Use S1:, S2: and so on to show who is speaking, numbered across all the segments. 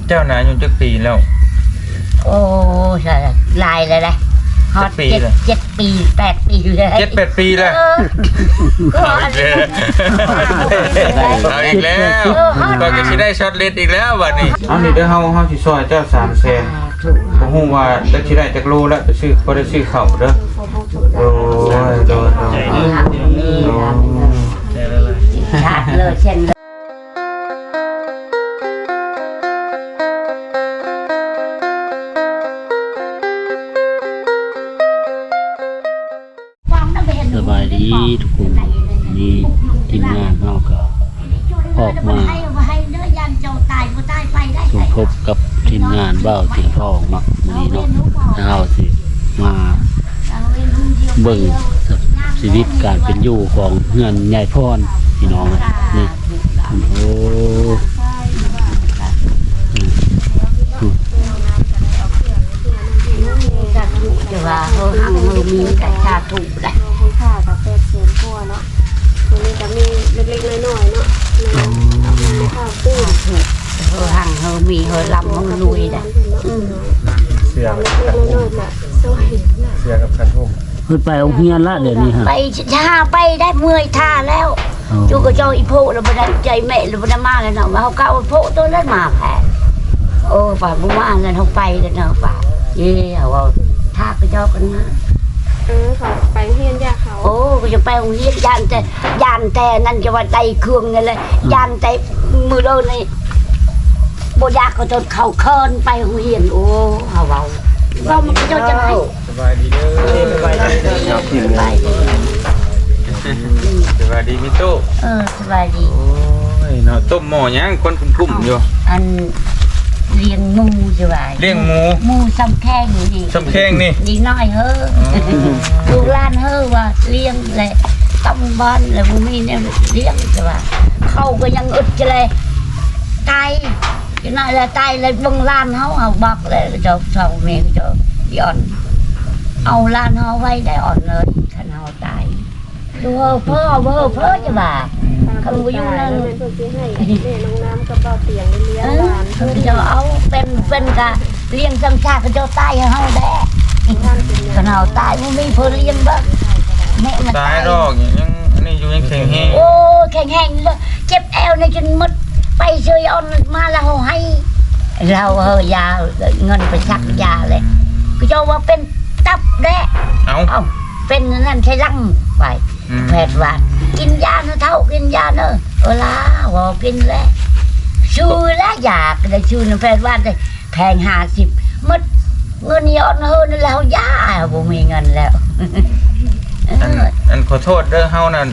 S1: เจ้าหนาอยู่จักปีแล้ว
S2: โอ้ใช่ลายเลยนะฮอต7 ปี8 ปีเลย
S1: 7-8 ปีแล้วเอาอีกแล้วก็จะได้ช็อตเลดอีกแล้ววันนี้เอานี่เด้อเฮาสิซอยเจ้า300,000บ่ฮู้ว่าจะสิได้จักโลแล้วไปซื้อบ่ได้ซื้อข้าวเด้อโอ้ยโดน
S2: ขาดเลยเช่น
S3: สบายดีทุกคนนี่ทีมงานเราก็ออกมาสมทบกับทีมงานเบ้าเสียงทองเนาะวันนี้เนาะเราสิมาเบิ่งชีวิตการเป็นอยู่ของเฮือนยายพรพี่น้องนี่โอ้
S2: จะว่าเฮาหังมือมีแต่ชาถูกได้
S4: ค่ะกับ800,000กว่าเนาะตัวนี้ก็มีเล็กๆน้อยๆเนาะข้าวตู้
S2: เฮาหังเฮามีเฮาลำเฮาลุยได้
S1: เสือกับคันทุ่มเสือกับคันทุ่ม
S3: เพิ่นไปโรงเรียนละเดี๋ยวนี้ฮะ
S2: ไปช้าไปได้เมื่อยท่าแล้วจูก็เจ้าอีโพแล้วบ่ได้ใจแม่แล้วบ่ได้มาแล้วเนาะมาเฮาเก่าโพตัวนั้นมาแพ้โอ้ป่าบ่มาแล้วเฮาไปแล้วเนาะป่าเอ้ว่าท่าก็เจ้ากันมา
S4: เขาไปเฮียนยาเขา
S2: โอ้ก็จะไปโรงเรียนยานแต่นั่นจะว่าใจเครื่องนี่เลยยานแต่มือโดนนี่บ่อยากก็จนเข้าเคินไปโรงเรียนโอ้เฮาก็มันจะจังได๋
S1: สบายดีเด้อสบายดีสบายดีสบายดีมิโต้
S2: สบายดี
S1: โอ้ยเนาะต้มหม้อยังคนคุ้มๆอยู่
S2: อันเลี้ยงหมูใช่ไหม
S1: เลี้ยงห
S2: มูซ้ำแข้งนี่
S1: ซ้ำแข้งนี่
S2: ดีน้อยเฮ้อลูกหลานเฮ้อว่าเลี้ยงเลยตำบ้านเลยมูมีเนี่ยเลี้ยงใช่ไหมเขาก็ยังอึดเลยตายจะน่าจะตายเลยบังลานเขาเอาบักเลยจะสองเมฆจะย้อนเอาลานเขาไว้ได้อ่อนเลยขันเขาตายดูเพ้อจะบ่าเขาอยู่นั่น
S4: น้องน้ำกับเบาเตียงเลี้ยงหลาน
S2: เขาจะเอาเป็นกะเลี้ยงสังชาเขาจะตายเขาแด้ขนาดตายมันไม่เพื่อเลี้ยงบ้างแม่มัน
S1: ตายดอกยังนี่อยู่ยังแข็งแห้ง
S2: โอ้แข็งแห้งเลยเจ็บแอวในจนมดไปเชยอ่อนมาแล้วให้เรายาเงินไปชักยาเลยก็จะว่าเป็นตับแด้เอาเป็นนั่นใช้ลังไปแพทย์ว่ากินยาเนอะเท่ากินยาเนอะล่ะว่ากินแล้วชื่อแล้วอยากได้ชื่อแพทย์ว่าได้แพง50มัดเงินย้อนเฮินแล้วยาบ่มีเงินแล้ว
S1: อันขอโทษเด้อเฮานั่น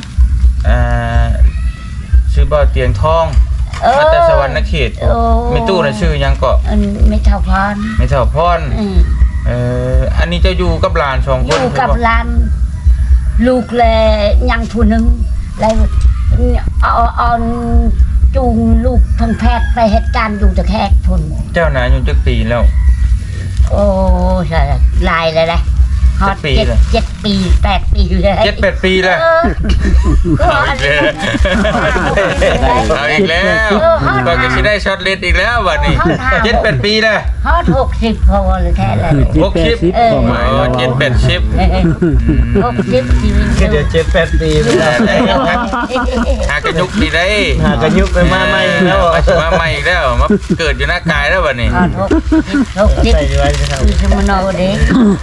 S1: ชื่อบ่เตียงทองมาแต่สวรรค์เขตมีตู้น่ะชื่อยังก็
S2: ไม่เท่าพร
S1: ไม่เท่าพรอันนี้จะอยู่กับหลาน2คน
S2: อยู่กับหลานลูกแลยังผู้นึงแล้วเอาจูงลูกทางแพทย์ไปเหตุการณ์อยู่ตะแคกพุ่น
S1: เจ้าหนาอยู่จักปีแล้ว
S2: โอ้ใช่ลายเลยนะฮอต7 ปี8 ปีเลย
S1: 7-8 ปีแล้วเอาอีกแล้วก็จะได้ช็อตเลดอีกแล้ววันนี้7-8 ปีแล้ว
S2: ฮอต60พอเลยแท้เลย
S1: 607-8
S2: 60ชีวิต
S5: ก็เดี๋ยว7-8 ปีไปแล้ว
S1: หากระยุกดีได้
S5: หากระยุกไปมาใหม่แล้ว
S1: มาใหม่อีกแล้วมาเกิดอยู่หน้ากายแล้ววันนี้
S2: 60คือสมโนเด็ก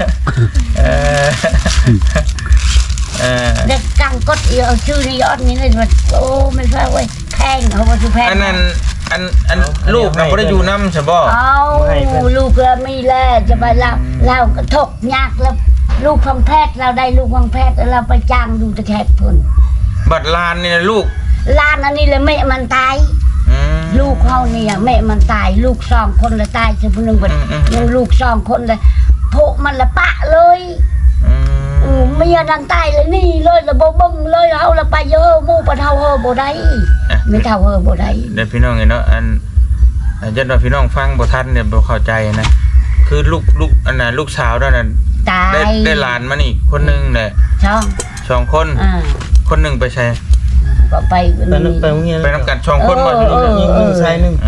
S2: เด็กกังกดเอาชื่อในยอดนี้เลยว่าโอ้ไม่ใช่เว้ยแพงเขาบอกชื่อแพง
S1: อันนั้นอันลูกเราไม่ได้อยู่น้ำใช่ป่ะ
S2: เอาลูกเราไม่แลจะไปเราถกยากแล้วลูกของแพทย์เราได้ลูกของแพทย์เราไปจ้างดูตะแคกพุ่น
S1: บัดลานนี่นะลูก
S2: ลานอันนี้เลยแม่มันตายลูกเขาเนี่ยแม่มันตายลูก2 คนเลยตายเฉพาะนึงแบบยังลูก2 คนเลยโผล่มันละปะเลยไม่ยันดังตายเลยนี่เลยละบ่บึ้งเลยเอาละไปเยอะมู่ปะเท่าเฮอบ่ได้ไม่เท่าเฮอบ่ได้
S1: เดี๋ยวพี่น้องเนาะอันจะว่าพี่น้องฟังบ่ทันเนี่ยบ่เข้าใจนะคือลูกอันน่ะลูกสาวนั่นได้หลานมานี่คนนึงแหละ2 คนคนนึงไปใช้
S2: ก็ไป
S5: โรงเรียน
S1: ไปนำกัน2 คนบ่
S5: ยิง1ชาย1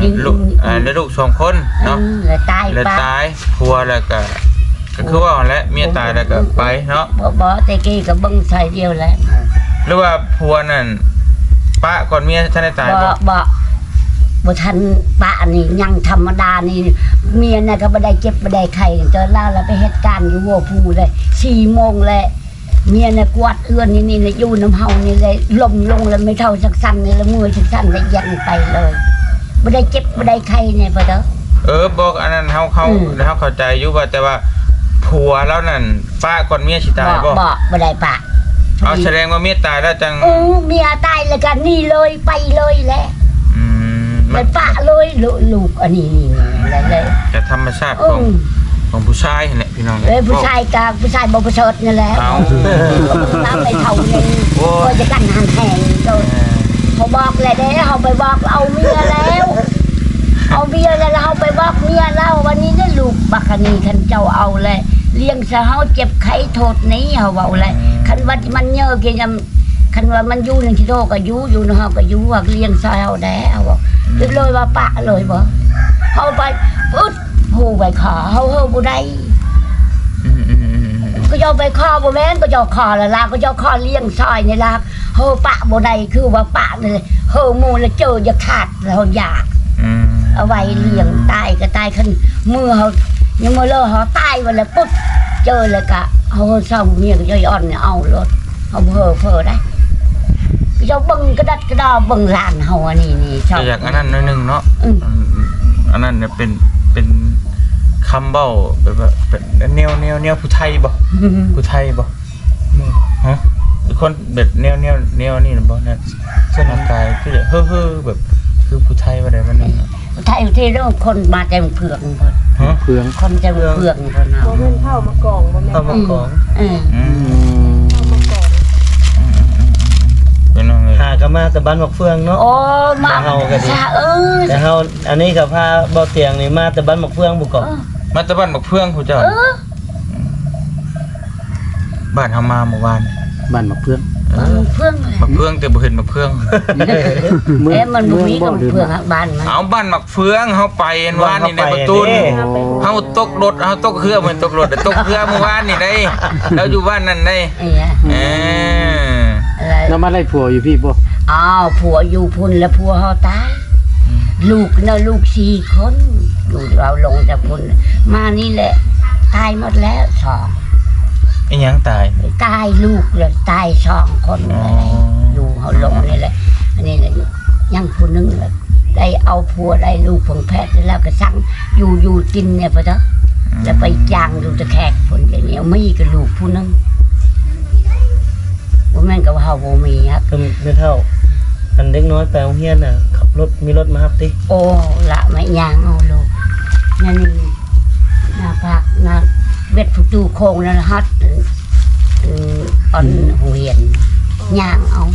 S1: ลูกแล้วลูก2คนเนาะ
S2: แล้วตาย
S1: แล้ว
S2: ป้า
S1: ตายผัวแล้วก็คือว่าแหละเมียตายแล้วก็ไปเนาะ
S2: บ่แต่กี้ก็เบิ่งใส่เดียวแหละ
S1: หรือว่าผัวนั่นปะก่อนเมียท่านได้ตายบ่
S2: บ่ทันป้านี่ยังธรรมดานี่เมียน่ะก็บ่ได้เจ็บบ่ได้ไข้เจอแล้วไปเหตุการณ์อยู่หัวภูเลย4 โมงแล้วเมียน่ะกวาดเอื้อนนี่อยู่น้ำเฮานี่เลยล้มลงแล้วไม่เท่าสักสั่นนี่แล้วมือสักสั่นแล้วยันไปเลยบ่ได้เจ็บบ่ได้ไข้เนี่ยบ่เด้อ
S1: บอกอันนั้นเฮาเข้าใจอยู่ว่าแต่ว่าผัวแล้วนั่นปะก่อนเมียสิตายบ่
S2: บ่ได้ปะ
S1: เอาแสดงว่าเมียตายแล้วจัง
S2: เมียตายแล้วกันนี่เลยไปเลยแหละ
S1: มั
S2: มัน นปะเลยลูกอันนี้เลย
S1: แต่ธรรมชาติของผู้ชายเนี่ยพี่น้อง
S2: ผู้ชายกับผู้ชายบ่ประเสริฐนั่นแหละ
S1: เอา
S2: น้ำไม่เท่านึงก็จะกันหันแหงเขาบอกเลยเด้เขาไปบอกเอาเมียแล้วเอาเมียแล้วเขาไปบอกเมียแล้ววันนี้ได้ลูกบักนีคันเจ้าเอาเลยเลี้ยงซะเฮาเจ็บไข้โทษนี้เฮาเว้าเลยคันว่ามันเยอะเกี่ยคันว่ามันอยู่ในที่โตก็อยู่เฮาก็อยู่ว่าเลี้ยงซะเฮาได้เฮาบอกเลยว่าปะเลยบ่เฮาไปปึ๊ดฮู้ไปขอเฮาบ่ได้ก็จะไปขอบ่แม่นก็จะขอละลาก็จะขอเลี้ยงซอยนี่ล่ะเฮาปะบ่ได้คือว่าปะเลยเฮาหมู่แล้วเจอจะขาดแล้วอยากเอาไว้เลี้ยงตายก็ตายคันมือเฮายังมื้อเลอเฮาตายวันละปึ๊บเจอแล้วก็เฮาเศร้าเมียก็จะอ่อนเอารถเฮาเพ้อได้ก็จะเบิ่งกระดัดกระดอเบิ่งหลานเฮาอันนี้ชอบ
S1: อยากอันนั้นนิดนึงเนาะอันนั้นเนี่ยเป็นคำเบ้าแบบว่าเป็นแนวผู้ไทยบ่ผู้ไทยบ่ฮะคนแบบแนวนี่นะบ่นั่นเส้นกายคือเฮ้อแบบคือผู้ไทยว่าได้มันนึง
S2: ไทยที่เรื่องคนมาแต่เผือกเพิ่น
S1: ฮะ
S3: เพื่อง
S2: คนแต่เผือกเพิ่นเอา
S4: บ่แม่นเข้ามากล่องบ่แม่น
S5: เข้ามากอง
S4: เข้ามากล่อง
S1: เป็นไง
S5: หาก็มาแต่บ้านบักเฟืองเนาะ
S2: โอ้มา
S5: เฮาก็ดี แต่เฮาอันนี้ก็พาบ่เตียงนี่มาแต่บ้านบักเฟืองบุกเกาะ
S1: มาตะบ้านบักเฟืองผู้เจ้าบ้านเฮามาเมื่อวาน
S3: บ้านมะเพื่อง
S2: เพื่อน
S1: บักเฟืองแต่บ่เห็นบักเฟือง
S2: มันบ่มีกับเพื่อนบ้านมัน
S1: เอาบ้านบักเฟืองเฮาไปเห็นวานนี่ในประตูเฮาตกรถเฮาตกเครือเหมือนตกรถแต่ตกเครือเมื่อวานนี่ได้แล้วอยู่บ้านนั่นได้
S2: อะไร
S3: แล้วมาได้ผัวอยู่พี่บ่
S2: อ้าวผัวอยู่พุ่นแล้วผัวเฮาตายลูกนะลูก4 คนอยู่เราลงจากพุ่นมานี่แหละตายหมดแล้ว2
S1: ไอ้หยังตาย
S2: ตายลูกเลยตาย2 คนอยู่เฮาลงนี่แหละอันนี้แหละยังผู้นึงเลยได้เอาผัวได้ลูกของแพทย์แล้วก็สั่งอยู่กินเนี่ยพะเด้อแล้วไปจ้างดูตะแขกพุ่นอย่างนี้มีกับลูกผู้นึงบ่แม่นกับเฮาบ่มีครับ
S5: ก็ไม่เท่าอันเด็กน้อยไปโรงเรียนน่ะขับรถมีรถมารับติ
S2: โอ้ละไม่ย่างเอาลูกนั่นนี่หน้าพักหน้าเบ็ดผู้ตู้โคงนั่นฮัดอ่อนหูเห็นย่างเอา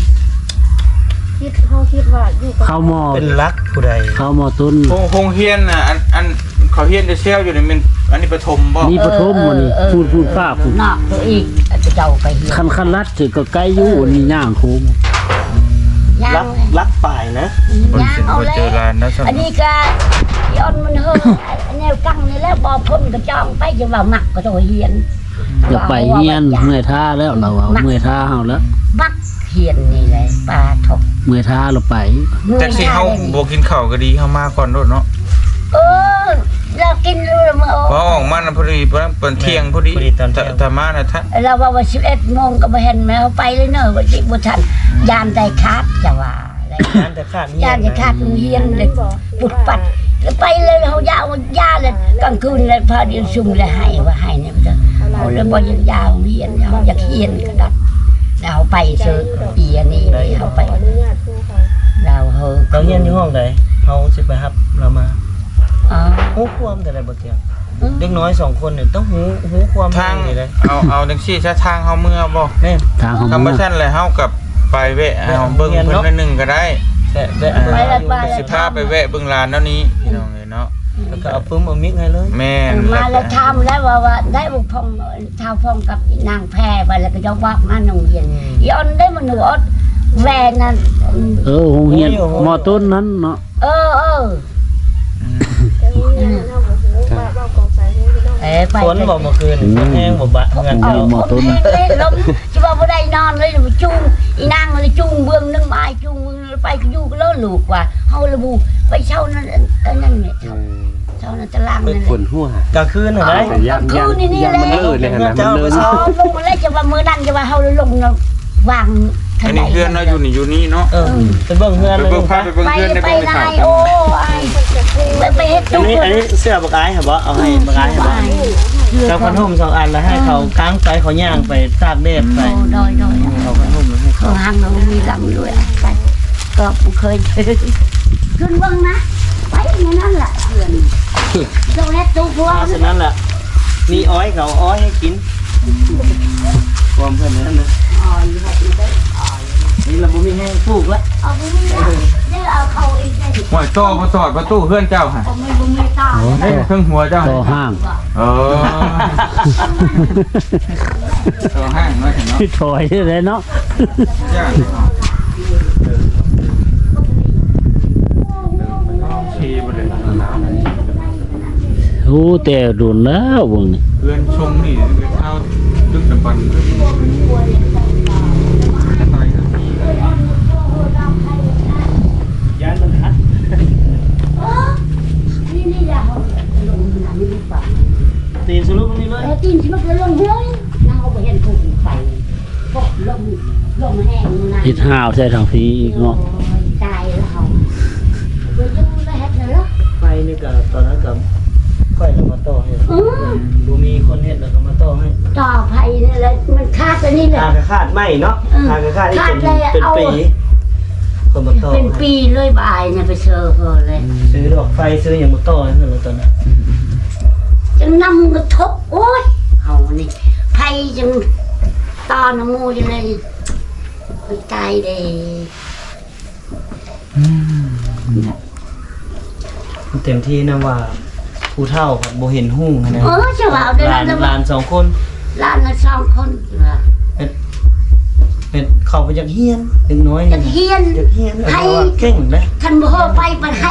S4: คิดว่าอยู่กับ
S3: เข้าหม้อ
S5: เป็นรักผู้ใด
S3: เข้าหม้อต้น
S1: โรงเรียนน่ะอันเขาเรียนจะเซลอยู่นี่มันอันนี้ประถมบ่
S3: นี่ปฐมมื้อนี้พูดฟ้าพูด
S2: นอกตัวอีกเจ้าไปเห็น
S3: คันลัดถือก็ไกลอยู่นี่ย่างโค้ง
S2: ย่า
S5: รั
S2: ง
S5: กรักป่ายนะ
S1: คน
S2: ย่าง
S1: สิ
S2: เอา
S1: บ่
S2: แล้
S1: เจอ
S2: ว
S1: ร้านนะซั่น
S2: อันนี้ก็ย้อนมันเฮ้อแนวกังนี่แล้วบ่พ้นก็จองไปจะว่ามักก็ต้องเฮียน
S3: อยากไปเฮียนเมื่อยท่าแล้วเราเอาเมื่อยท่าเฮาแล้ว
S2: มักเฮียนนี่แหละปลาทก
S3: เมื่อยท่าเราไป
S1: แต่สิเฮาบ่กินข้าวก็ดีเฮามาก่อนโดดเนาะ
S2: เรากินรู้แล้วมั้ง
S1: พอออกมาน่ะพอดีเปิ้นเที่ยงพอดีแต่มาน่ะถ้า
S2: เราว่า11 โมงก็บ่เห็นแมวไปเลยเนอะว่าสิบ่ทันยามใจขาดจะว่าอะไร
S5: งานแต่ขาดเฮีย
S2: ยาม
S5: น
S2: จะขาดเฮียนเลยปุดปัดไปเลยเฮายาวยาเลยกลางคืนเลยพอดีซุ่มเลยให้ว่าให้เนี่ยมันจะเอาเลยบ่ยังยาวเฮียนเฮาอยากเฮียนก็ดัดเราไปซื้ออีอันนี้เลยเฮาไป
S4: ขออนุญาตครูค่ะ
S2: เราเฮอ
S5: เราเฮียนอยู่ห้องใดเฮาสิไปรับเรามา
S2: อ๋อ
S5: ฮู้ความแต่ได้บ่เตียงเด็กน้อย2คนนี่ต้องฮู้ความ
S1: ทาง
S5: นี่เลย
S1: เอาจังซี่ซะทางเฮาเมื่อบ่
S5: แม่
S3: ทางเฮา
S1: คำ
S3: เมื่
S1: ว่า
S3: อ
S1: ซั่นเลยเฮากับไปแวะเอาเบิ่งเพิ่นละนึงก็ได้
S5: แต่ได้
S1: สิพาไปแวะเบิ่งร้านแล้วนี้พี่น้องเอ้ยเนาะ
S5: แล้วก็เอาปึ้มเอามิกให้เลย
S1: แม่น
S2: มาแล้วทำแล้วว่าได้บุพงชาวพงกับนางแพรไปแล้วก็จะว่ามาโรงเรียนย้อนได้มันหนูอดแวนนั่น
S3: โรงเรียนหม้อต้นนั้นเนาะ
S2: เออไป
S5: ฝนบ่เมื่อคืนฝนแห้งบ่บะเงิน
S2: เอา
S5: เจ้า
S2: หมดเลยลมจะว่าบ่ได้นอนเลยจุงอีนางเลยจุงเบื้องนึงไม้จุงไปอยู่ก็เลิกลูกว่าเฮาระบุไปเช่านั่นนั่นเนี่ยเช่านั่นตารางนั่น
S6: ฝนหัว
S5: กลางคืนน่ะได้
S2: คืนนี่แหละ
S6: มันเลยนะมันเลย
S2: อ๋อลงมาแล้วจะว่ามื้อนั้นจะว่าเฮาลงวาง
S1: อันนี้เพื่อนเราอยู่นี่เนาะ
S5: ไปเบิ่งเฮือน
S1: ไป
S5: เลย
S1: เบิ่งพาไปเบิ่ง
S2: ไป
S1: เพื่อนได้
S2: ไป
S1: เบิ่ง
S2: ไหน
S1: ข่าว
S2: โอ้ไปเฮ็ด
S5: อั
S2: จุ
S5: น
S2: ก
S5: นี้เสื้อบักอายเหรอบ่เอาให้บักอายเหรอบ่แล้วพันห่ม2อันแล้วให้เขาค้างไปเขาย่างไปตากแดดไป
S2: โดย
S5: เขาพันห่มแล้วให้
S2: เขา
S5: เขา
S2: หางเรามีลำด้วยไปก็เคยขึ้นเบิ่งนะไปอย่างนั้นแหละเพื่อนโดนเฮ็ดจุกพวก
S5: เพราะฉะนั้นแหละมีอ้อยเขาอ้อยให้กินความเพื่อนนั้นนะนี่เราบ่มีแห้งปลูกแล้ว
S2: เอาไปนี่นะเดี๋ยวเอาเขาอีกได้
S1: หวยโตมาสอดประตูเพื่อนเจ้าค่ะ
S2: ผมไม่ต่อ
S1: เอ้ยเครื่องหัวเจ้า
S3: ต่อห้าง
S1: เออตัวห้างมาถึงเนาะ
S3: ถอยเลยเนาะ
S1: ย่างชีไปเลย
S3: โอ้แต่โดนแล้ววงนี่
S1: เพื่อนชงนี่เท้าดึกดำบันขึ้นอะไรกัน
S5: ย้านมันฮัด
S2: นี่แหละลงน้ำนี่ป่ะ
S5: ตีนสรุปนี่เลย
S2: ตีนที่มันลงเฮ้ยนั่งเอาไปเห็นถูกไฟพวกลงแห้งนะ
S3: เฮ็ดห้าวใส่ทางพีอีกเนาะ
S2: ตายแล้วเขาเดี๋ยวจะแล้วเฮ็ดเลยล่ะ
S5: ไฟนี่ก็ตอนนั้นก็ค่อยแล้วมาต่อให้บ่มีคนเฮ็ดแล้วก็มาต่อให้
S2: ต่อไฟนี่แหละมันคาดตัวนี้แหละ
S5: ทางกระคาดไหมเนาะทางกระคาดที่เป็นปีคนมาต่อ
S2: เป็นปีเลยบ่ายเนี่ยไปเจอเขาเลย
S5: ซื้อดอกไฟซื้ออย่างมาต่อนั่นแหละตอนนั้น
S2: จังนำกระทบโอ้ยเอานี่ไฟจังตอนน้ำมูจังเลยไปตายเด้
S5: เต็มที่นะว่าผู้เฒ่ากับโบเห็นหุ่งนะ
S2: จะว่าได้
S5: หลาน
S2: แล้ว
S5: หลานสองคน
S2: ล้านละ2 คนว่า
S5: เป็นเข้าไปจากเฮียนเล็กน้อย
S2: จะเฮียน
S5: จากเฮียนเพราะว่าเก่งนะ
S2: คันบ่ไปมันให้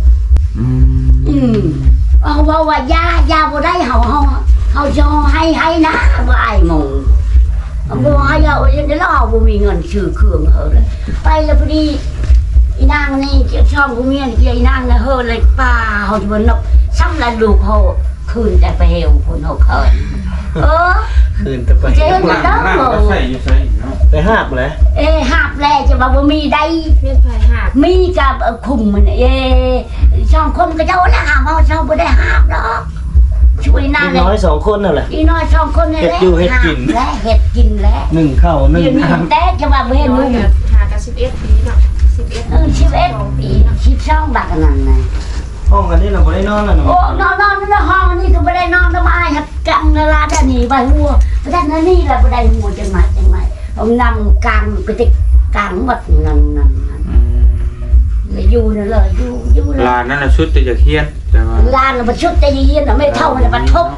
S2: เอาว่ายาบ่ได้เฮาจะให้นะบ่อายหมู่บ่ให้เอาเดี๋ยวเราบ่มีเงินซื้อเครื่องเฮาเลยไปแล้วพอดีอีนางนี่ช่องกูเมียนี่อีนางน่ะเฮอเลยป้าเฮาจะบ่นกซ้ำละลูกเฮาคืนแต่ไปเฮวพุ่นเฮาเคิน
S5: คืนแต่ไป
S2: เจ๊
S1: นั่งก็ใส่อยู่ใส่เนาะ
S5: ไปหาบเลย
S2: หาบแลจะว่าบ่มีได้
S4: เรียกไฟหาบ
S2: มีกับคุมมันช่องคนก็เจ้าละหาเฮาช่องบ่ได้หาบดอกช่วยนาง
S5: เล็กน้อยสองคนนั่นแหละ
S2: อีน้อยช่องคนนี่แหละและเฮ็ดกินแล้ว
S5: หนึ่งเข้าหนึ่ง
S2: เดี๋ยวนี้
S5: น้ำ
S2: แต่จะว่าบ่เห็น
S4: น้อ
S2: มึ
S4: ย
S2: ง
S4: กับหากับ11 ปีเนาะ11
S2: ปี12บักนั่นน่ะ
S5: ห้องกันนี่เราไม่ได้นอนแล้วเนาะ
S2: โอ้นอนในห้องนี่ก็บ่ได้นอนสบายครับกังเวลาได้นี่ไปหัวแต่นั่นนี่แหละบ่ได้หัวจังไหนเอานำกลางไปติกลางหมดนั่นเลยอยู่นั่นเลยอยู่
S1: ลานนั่นน่ะชุดแต่จะเคียนแต่ว่า
S2: ลานมันชุดแต่ยีนไม่เท่ามันบัดทบ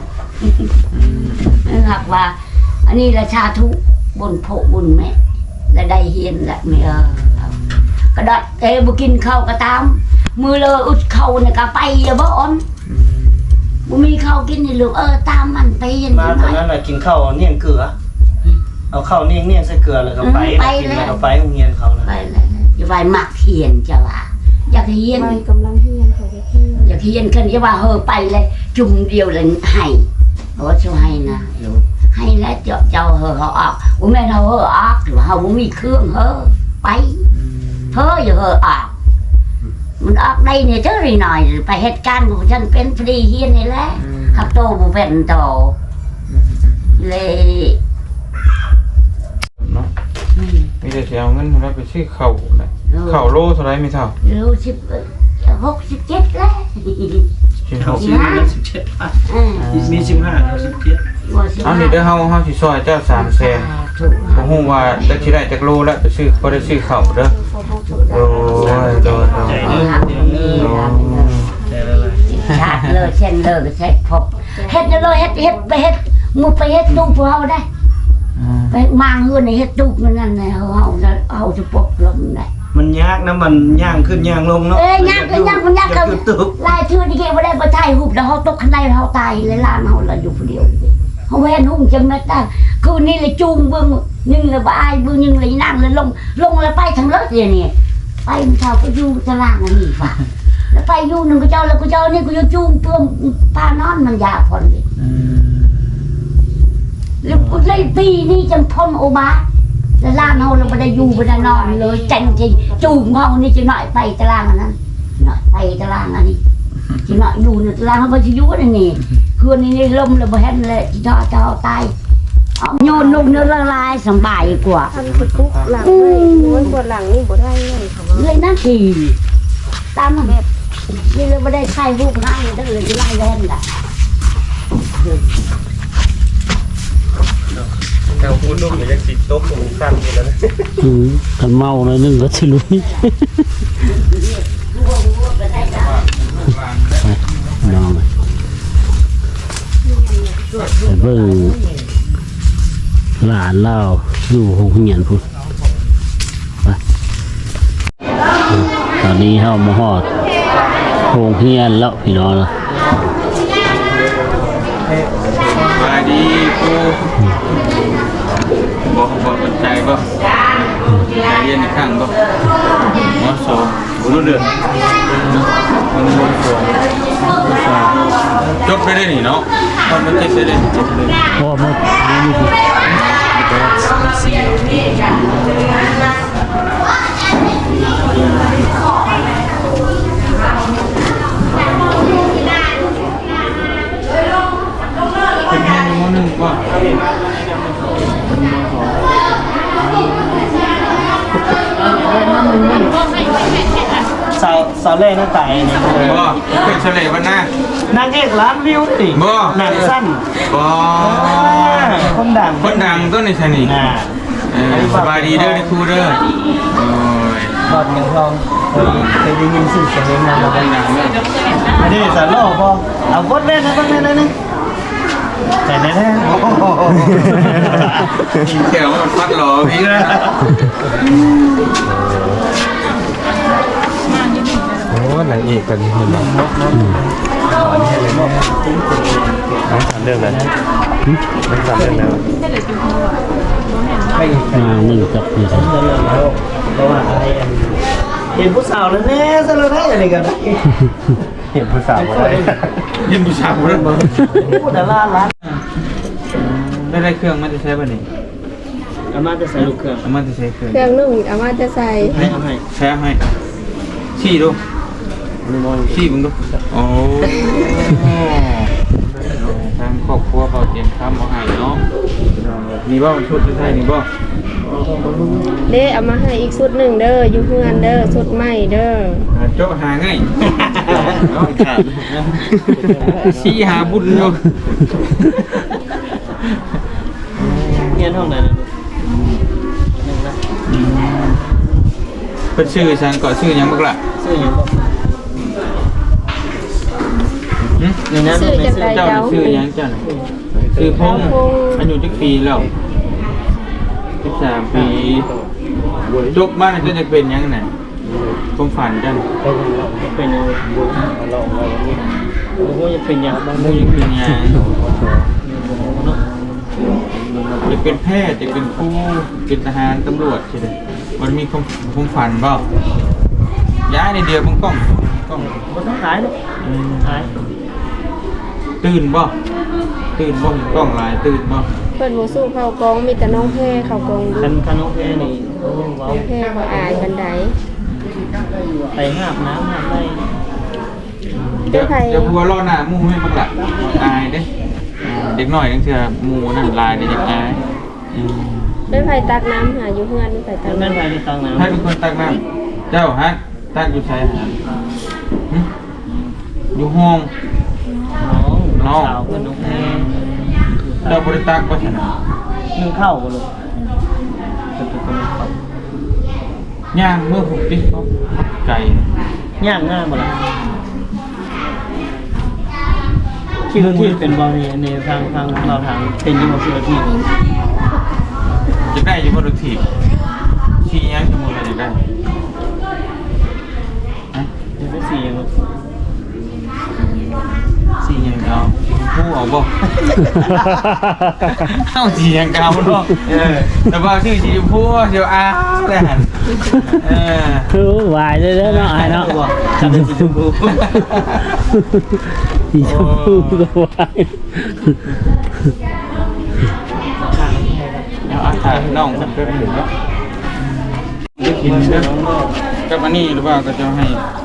S2: นะครับว่า อันนี้ราชาทุบนโผบุญแม่และได้เฮียนแหละไม่กระดาษบุกินข้าวก็ตามมือเลยอุดเข้าเนี่ยก็ไปอย่าบ่อ่อนบ่มีข้าวกินนี่ลูกตามมันไปยัน
S5: มาตอนนั้นน่ะกินข้าวเนี่ยเกลือเอาข้าวเนี่ยใส่เกลือแล้วก็ไปกินแล้วก็ไปโรงเรียนเขานะ
S2: ไปเลยอย่าไปมักเฮียนจะว่าอยากเฮียน
S4: ไม่กำลังเฮียนเขาจะเฮียน
S2: อยากเฮียนขึ้นจะว่าไปเลยจุ่มเดียวเลยให้บอกว่าช่วยให้นะลูกให้แล้วเจ้าเขาออกว่าแม่เราออกหรือว่าเขาบ่มีเครื่องไปอย่าออกมันออกได้เนี่ยเท่าไรหน่อยไปเหตุการณ์ของฉันเป็นพอดีเฮียนนี่แหละขับโตบุเป็นโตเลย
S1: เนาะมีแต่สิเอาเงินเราไปซื้อข้าวนะข้าวโลเท่าไรไม่เท่า
S2: รู้67แล้ว
S5: เขาซื้อมา17 บาทมี15กับ17
S1: เอานี่เด้อเฮาสิซอยเจ้า300,000บ่ฮู้ว่าได้สิได้จักโลแล้วไปซื้อบ่ได้ซื้อข้าวเด้อโอ้ยโดน
S5: ใจดีใจละลาย
S2: ชาติเลยเช่นเลยเช็ดพบเฮ็ดเลยเฮ็ดไปเฮ็ดมุไปเฮ็ดตู้พวกเราได้ไปมางเฮือนในเฮ็ดตู้นั่นน่ะเฮาจะปบลมได้
S5: มันยากนะมันย่างขึ้นย่างลงเนาะ
S2: ยากกันลายชื่อที่เกี่ยวไม่ได้มาถ่ายรูปแล้วเขาตกขันไดเขาตายเลยล่างเขาเราอยู่คนเดียวเขาแวนหุ่งจำไม่ได้คืนนี้เลยจูงเบื้องนึงเลยบ่ายเบื้องนึงเลยนั่งเลยลงแล้วไปทางรถอย่างนี้ไปมันเช้าก็อยู่ตารางอันนี้ฝ่าแล้วไปอยู่หนึ่งก็เจ้าแล้วก็เจ้านี่ก็จะจูงเพื่อพานอนมันยาพอนเลยแล้วเลยปีนี้จังพ่นโอบาแล้วล่างเขาเราไม่ได้อยู่ไม่ได้นอนเลยจังจริงจูงเขานี่จะหน่อยไปตารางอันนั้นหน่อยไปตารางอันนี้จะหน่อยอยู่ในตารางเขาไปอยู่นั่นนี่คืนนี้ลมเลยบ่เห็นเลยจะตายโยนลงเนื้อละลายสบายกว่า
S4: ทำคือปุ๊กหลังเลยม้วนปวดหลังนี่บ่ได้เลยค่ะว่า
S2: เลยนั่นทีตามแบบนี่เลยไม่ได้ใช้รูปง่ายตั้งเลยจะไล่แรงแหละ
S1: แถวพูดลูกยังสิตกหูสั้นอยู่แล้วนะ
S3: คันเมาหน่อยนึงก็สิลุยน้องไปเบิ่งหลานเล่าอยู่โรงเรียนพุ่นไปตอนนี้เฮามาฮอดโรงเรียนแล้วพี่น้องนะ
S1: มาดีกูบอกสนใจป่ะเรียนอีกครั้งป่ะมอสองรู้เดือนมันมอสองจบไปได้หนิเนาะตอนมันเจ็บไปได้จบเลย
S3: พ่อมาอยู่ที่
S1: เป็นแค่มอหนึ่งป่ะ
S5: สาวเล่หน้าตายนี่
S1: บ่เป็นเฉลยวันหน้าน
S5: างเอกล้านวิวสิ
S1: บ่
S5: หนังสั้น
S1: บ่
S5: คนดัง
S1: คนดังต้นในชนี
S5: น่ะ
S1: สบายดีเด้อในครูเด้อโอ้ย
S5: บอดเงินทองเคยได้ยินสื่อเสียงเองนะ
S1: คนดังเด้อ
S5: อันนี้สารโลกบ่เอาบดเล่นนะบดเล่นนะนึงแต่แน่ๆโอ้โห
S1: แถวมันฟัดหล่อพี่นะ
S6: โอ้นางเอกกันเห็นไหมน้องสามเรื่องแล้วน้องสามเรื่องแล้ว
S3: หนึ่งกับนี่ครับ
S5: เพราะว่าอะไรเห็นผู้สาวแล้วแน่ซะแล้วได้อะไรกัน
S6: เห็นผู้สาวอะไร
S1: ยินผู้ชายเรื่อง
S5: ผู้ดาราล้าน
S1: ได้เครื่องมันจะใช้ป่ะนี่
S5: อามาจะใส่ลูกเครื่อง
S1: มันจะใช้เครื่อง
S4: เครื่องนึ่งอามาจะใส่
S5: ให้เอาให้
S1: แช้ให้ชี้ดูชี้มึงดูโอ้ทางครอบครัวเขาเตรียมข้ามมาให้เนาะมีบ่ชุดจะใช่นี่บ่
S4: เด้เอามาให้อีกชุดหนึ่งเด้ออยู่เพื่อนเด้อชุดใหม่เด้อ
S1: โจ๊ะหาง่ายชี้หาบุญอยู่
S5: เงี้ยห้องไหนนะลูก
S1: เป็นชื่อฉันก็ชื่อยังบักละ
S5: ซื้อยังบ่ในนั้น
S4: ซื้อ
S5: ไม่
S4: จาก
S5: ซื้
S4: ใด
S5: อ
S1: เจ้า
S4: เจ้า
S1: ชื่อยังเจ้าชื่อพงอายุจักปีแล้ว13 ปีจบมาจนจะเป็นยังไงความฝันจัง
S5: เป็นยังลองอะไรนี่โอ้โหจะเป็นยังบ้าง
S1: มูยังเป็นยังจะเป็นแพทย์จะเป็นครูเป็นทหารตำรวจใช่ไหมมันมีความฝันเปล่าย้ายในเดียวมันกล้อง
S5: บ่ต้องขายลูกขาย
S1: ตื่นบ่เห็นกล้องหลายตื่นบ่
S4: เปิดหมูสู้เข้ากองมีแต่น้องแพร่เข้ากองดู
S5: คันโอเคนี่โอ้ว้าว
S4: น้องแพร่เขาอายบันได
S5: ไปหาบน้ำหาบได้
S1: เดี๋ยวพัวรอหน้าหมู่ให้บักละอายเด้เด็กน้อยจังเทื่อหมู่นั่นลายนี่ยังอาย
S4: เป็นไผตักน้ำหาอยู่เพื่อนเป็นไผตัก
S5: แม่น
S4: น้ำ
S5: ไปในตังน้ำ
S1: ให้เป็นคนตักน้ำเจ้าฮะตักอยู่ชายหาดอยู่ห้อง
S5: น้องสาวกับน้องแพร
S1: เจ้าบริตักว่าชนะ
S5: นึ่งข้าวบ่ลูก
S1: ย่างเมื่อผมติ๊กเขาไก่
S5: ย่างง่ายบ่ล่ะคิดว่าที่เป็นบ่ในทางเราทางเป็นอยู่บ่คิดว่าที่
S1: จะได้อยู่บนรถถีบชี้ย่างจมูกอะไรได้
S5: สีอย่าง
S1: สีหยังเอาผู้เอาบ่เอ้าสีหยังเอาเนาะแต่ว่าชื่อสีชมพูเดี๋ยวอ้าวเลยหั่น
S3: คือวายเลยเนาะไอ้เนาะ
S5: ทำเป็นสีชมพู
S3: สีชมพูก็วาย
S1: เอาอาหารน้องมันเป็นหนึ่งเนาะได้กินเด้อกับอันนี้หรือว่าก็จะให้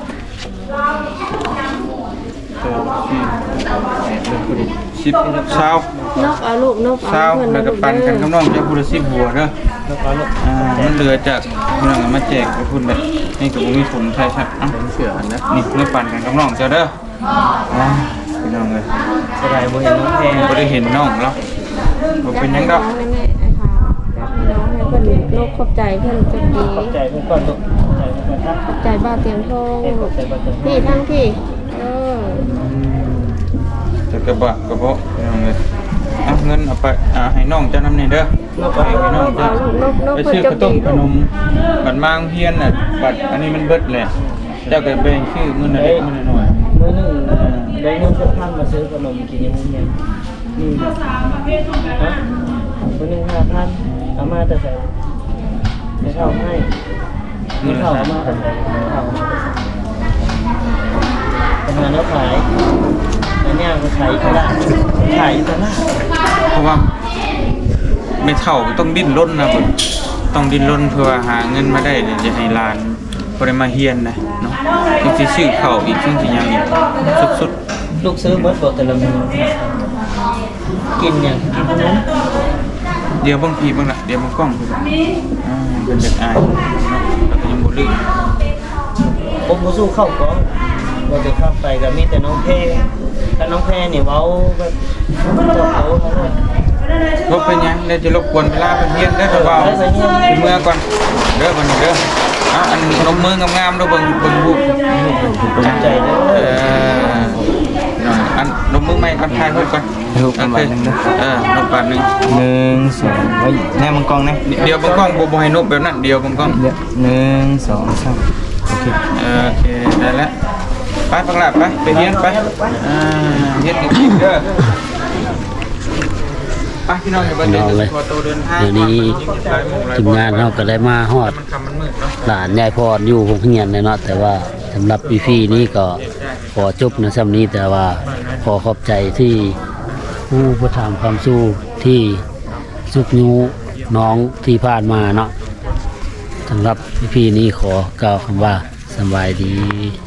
S1: สิบเช้าน
S4: กเอาลูกนก
S1: เช้าแล้วก็ปั่นกันกับน้องจะพูด10หัวเด้อมันเหลือจากพี่น้องมาแจกไปพูดแบบนี่ก็บ่มีผลใช่ชัดเอ้าเสืออันนะนี่เมื่อปั่นกันกับน้องเจ้าเด้อพี่น้องเลย
S5: สบายบ่เห็นน้องแพง
S1: บ่ได้เห็นน้องแล้วบ่เป็นหยังดอก
S4: แม่ไอ้ค่ะน้องให้เพิ่นโลกขอบใจเพิ่นจังดี
S5: ขอบใจเพื่อนก่อนลูกขอบใจเพื่อนครับ
S4: ขอบใจบ้านเตียงทอง
S5: ขอบใจบ้านเตียงทอง
S4: พี่ทั้งพี่
S1: จะกระบะกระเพาะพี่น้องเลยเอาเงินเอาไปให้น้องเจ้านำนี่เด้อให้น้องเจ้าไปซื้อข้าวต้มขนมบัตรมางเพียนน่ะบัตรอันนี้มันเบิดแหละเจ้าก็แบ่งชื่อมื้อละเล็กมื้อละน้อย
S5: มื้อหนึงได้เงิน1,000มาซื้อขนมกินยังไงนี่ฮะมื้อหนึง5,000เอามาแต่ใส่ไม่เท่าให้ไม่เท่าเอามาแต่ใส่ไม่เท่าเอามาแต่ใส่ประมาณแล้วขายแล้วเนี่ยก็ขายตลาดขายตลาด
S1: เพราะว่าไม่เท่าต้องดิ้นรนนะเพิ่นต้องดิ้นรนเพื่อหาเงินมาได้จะให้หลานบ่ได้มาเฮียนนะเนาะจึงสิซื้อข้าวอีกจึงสิหยังอีกสุด
S5: ลูกซื้อเบิดบ่แต่ละมื้อกินหยังกินขนม
S1: ๆเดี๋ยวบางทีบางน่ะเดี๋ยวบางกล้องคือเป็นเด็กอายเนาะแล้วก็ยังบ่ลืม
S5: ผมบ่สู้เข้ากองบ่ได้เข้าไปก็มีแต่น้องแพรถ้าน้องแพรนี่เว้าแบบเจ้าโตเขาเลย
S1: บ่เป็นหยังเดี๋ยวจะรบกวนเวลาเพิ่นเฮียนเด้อเบาๆสิเมื่อก่อนเด้อบัดนี้เด้ออันนมมืองามๆเด้อเบิ่งรูป
S5: ภูมิใจเด้อ
S1: อันนมมือใหม่ก่อนถ่ายรูปก่อนรูปประมาณนึงนะนกบาทนึง
S5: 1 2ไว้แน่มังกรนะ
S1: เดี๋ยวบางกล้องบ่ให้นกแบบนั้นเดี๋ยวบางกล้อง
S5: 1 2 3โอเค
S1: โอเคได้แล้วไปปังละไปเฮียนไปเฮียนอีกเด้อไปพี่น้องอย่าไปเดินตัวโตเดินทาง
S3: เดี๋ยวนี้ทีมงานเราก็ได้มาฮอด
S1: มันคำมันมืดเนาะ
S3: หลานยายพรอยู่โรงเรียนเลยเนาะแต่ว่าสำหรับพี่ๆนี้ก็ขอจบในซ้ำนี้แต่ว่าขอขอบใจที่ผู้ประทานความสู้ที่สุกยูน้องที่ผ่านมาเนาะสำหรับพี่ๆนี้ขอกล่าวคำว่าสบายดี